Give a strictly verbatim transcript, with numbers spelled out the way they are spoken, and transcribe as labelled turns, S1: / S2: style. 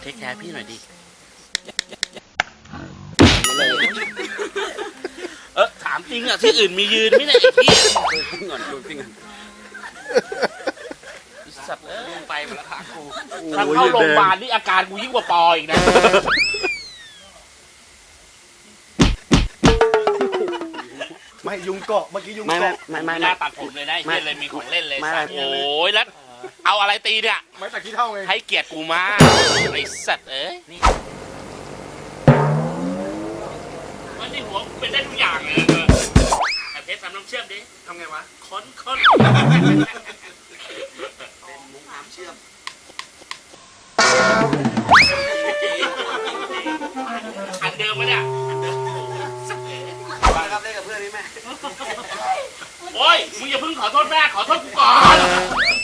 S1: เทคแคร์พี่หน่อยดิเออถามจริงอ่ะที่อื่นมียืนไม่ได้ไอ้พี่ดูจริงก่อนดูจริงก่อนสัตว์เอ้ยไปมาแล้วพากูถ้าเข้าโรงพยาบาลนี่อาการกูยิ่งกว่าปออีกนะ
S2: ไม่ยุงเกาะเมื่อกี้ยุง
S1: ไม่ไม่
S2: เกาะ
S1: ไม่ไม่น่าตัดผมเลยนะเฮียเลยมีของเล่นเลยสัตว์โอ้ยแล้วเอาอะไรตีเนี่ย
S2: ไม่ตัดขี้เท่าไง
S1: ให้เกียรติกูมากไอ้สัตว์เอ้ยนี่มันที่หัวเป็นได้ทุกอย่างเลยไอ้เพชรทำน้ำเชื่อมดิทำไงวะค้นค้นเป็นมุ้งน้ำเชื่อมอันเดิมไหมเนี่ยครับเล่นกับเพื่อนนี่แม่โอ้ยมึงอย่าเพิ่งขอโทษแม่ขอโทษกูก่อน